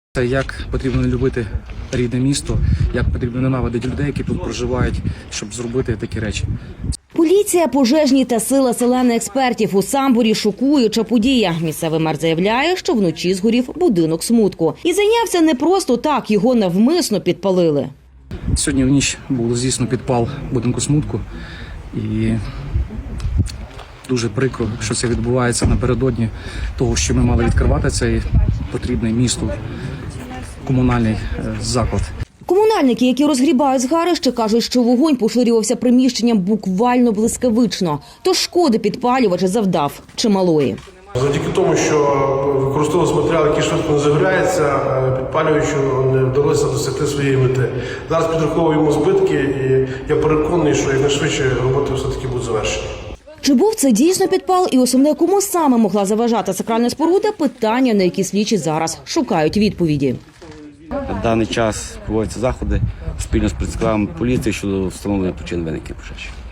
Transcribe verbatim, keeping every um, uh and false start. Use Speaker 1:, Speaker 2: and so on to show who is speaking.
Speaker 1: Це як потрібно любити рідне місто, як потрібно ненавидити людей, які тут проживають, щоб зробити такі речі.
Speaker 2: Поліція, пожежні та сила селени експертів у Самборі – шокуюча подія. Місцевий мер заявляє, що вночі згорів будинок Смутку. І зайнявся не просто так, його навмисно підпалили.
Speaker 1: Сьогодні в ніч був здійснено підпал будинку Смутку. І дуже прикро, що це відбувається напередодні того, що ми мали відкривати цей потрібний місту комунальний заклад.
Speaker 2: Комунальники, які розгрібають згарище, кажуть, що вогонь поширювався приміщенням буквально блискавично. Тож шкоди підпалювач завдав чималої.
Speaker 3: Завдяки тому, що використовувався матеріал, який швидко не загоряється, підпалюючу не вдалося досягти своєї мети. Зараз підраховуємо збитки і я переконаний, що якнайшвидше роботи все-таки будуть завершені.
Speaker 2: Чи був це дійсно підпал і основне, кому саме могла заважати сакральна споруда – питання, на які слідчі зараз шукають відповіді.
Speaker 4: На даний час проводяться заходи спільно з працівниками поліції щодо встановлення причин виникнення пожежі.